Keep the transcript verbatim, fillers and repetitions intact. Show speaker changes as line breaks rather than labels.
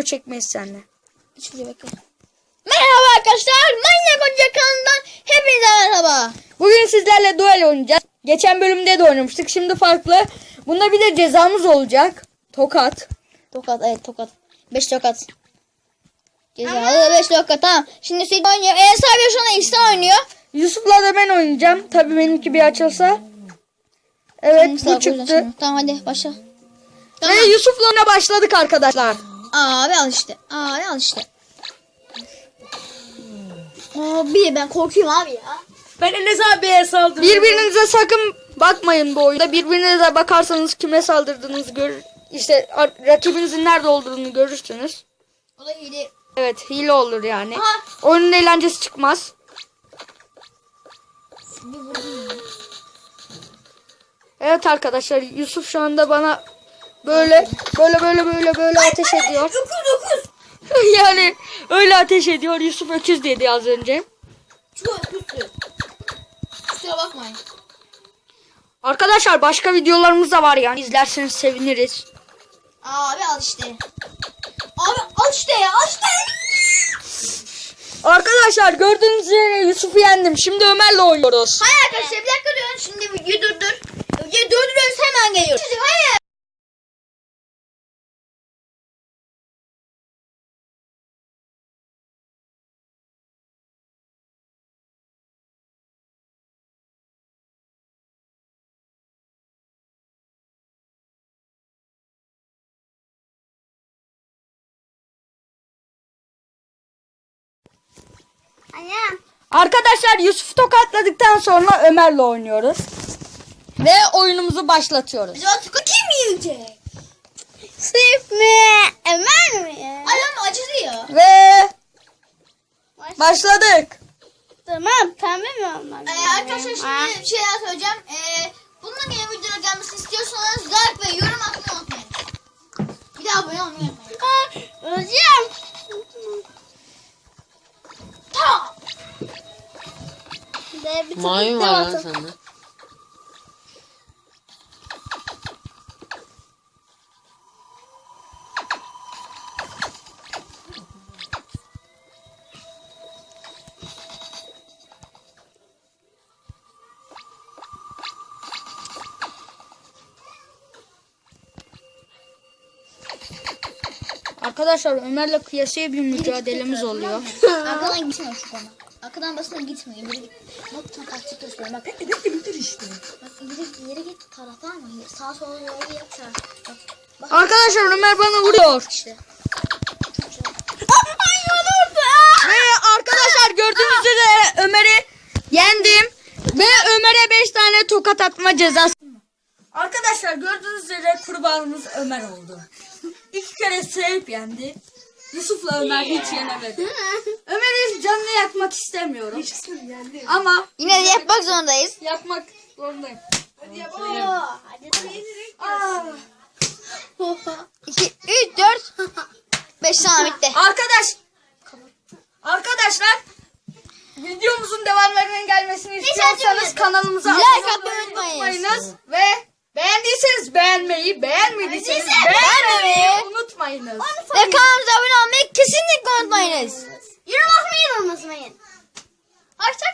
çekmeyiz seninle.
Şuraya bakın. Merhaba arkadaşlar. Manyak Oyuncak kanalından hepinize merhaba.
Bugün sizlerle duel oynayacağız. Geçen bölümde de oynamıştık. Şimdi farklı. Bunda bir de cezamız olacak. Tokat.
Tokat, evet tokat. beş tokat. Cezalı beş tokat, tamam. Şimdi Hüseyin oynuyor. Enes abi şu anda İhsan oynuyor.
Yusuf'la da ben oynayacağım. Tabii benimki bir açılsa. Evet,
Şimdi
bu
sağ
çıktı.
koyacağım. Tamam hadi başla. Tamam.
Ve Yusuf'la oyuna başladık arkadaşlar.
Abi al işte. Abi al işte. Abi ben korkuyorum abi ya.
Ben Enes abiye saldırıyorum.
Birbirinize sakın bakmayın bu oyunda. Birbirinize bakarsanız kime saldırdığınızı görür. İşte ar- rakibinizin nerede olduğunu görürsünüz.
O da hile.
Evet, hile olur yani.
Aha.
Oyunun eğlencesi çıkmaz.
Bir vurdum ya.
Evet arkadaşlar, Yusuf şu anda bana böyle böyle böyle böyle böyle ateş ediyor.
dokuz dokuz.
Yani öyle ateş ediyor. Yusuf öküz dedi az önce.
Çok kötü. Kusura bakmayın.
Arkadaşlar başka videolarımız da var yani, izlerseniz seviniriz.
Abi al işte. Abi al işte ya, al işte.
Arkadaşlar gördüğünüz üzere Yusuf'u yendim. Şimdi Ömer'le oynuyoruz.
Hayır arkadaşlar bir dakika durun. Şimdi videoyu durdur. Videoyu durduruyoruz, hemen geliyoruz. Hayır. Annem.
Arkadaşlar Yusuf'u tokatladıktan sonra Ömer'le oynuyoruz. Ve oyunumuzu başlatıyoruz.
Biz artık kim yiyecek? Sırf mi? Ömer mi? Adam acıdı ya.
Ve başladık.
Tamam, pembe mi olmak? Ee, arkadaşlar şimdi bir şey daha söyleyeceğim. Ee, bununla yeni videolar gelmesini istiyorsanız like ve yorum atmayı unutmayın. Bir de abone olmayı unutmayın. Hocam. Tamam.
Maymun var lan sende.
Arkadaşlar Ömer'le kıyasıya bir mücadelemiz oluyor.
Arkadan gitmiyor şu bana. Arkadan basına gitmiyor. İleri git. Bak tam taktik gösteriyorum. Bak.
Bitir bitir işte.
Bak ileri, ileri git tarafa ama sağa sola doğru yap. Bak. Bak
Arkadaşlar Ömer bana vuruyor.
işte.
Ve arkadaşlar gördüğünüz üzere Ömer'i yendim. Ve Ömer'e beş tane tokat atma cezası. Arkadaşlar gördüğünüz üzere kurbanımız Ömer oldu. İki kere sevip yendi. Yusuf'la Ömer hiç yenemedi. Ömer'in canını yakmak istemiyorum. Ama
Yine de yapmak zorundayız.
yapmak zorundayım.
Aa. iki, üç, dört, beş tane bitti.
Arkadaş Arkadaşlar videomuzun devamlarının gelmesini istiyorsanız kanalımıza
Like
abone
atmayı
olmayı
unutmayın.
unutmayınız ve beğendiyseniz beğenmeyi, beğenmediyseniz
Beğendiyseniz
beğenmemeyi
beğenmemeyi
unutmayınız.
Ve kanalımıza abone olmayı kesinlikle unutmayınız. Yorum atmayı unutmayın. Hoşça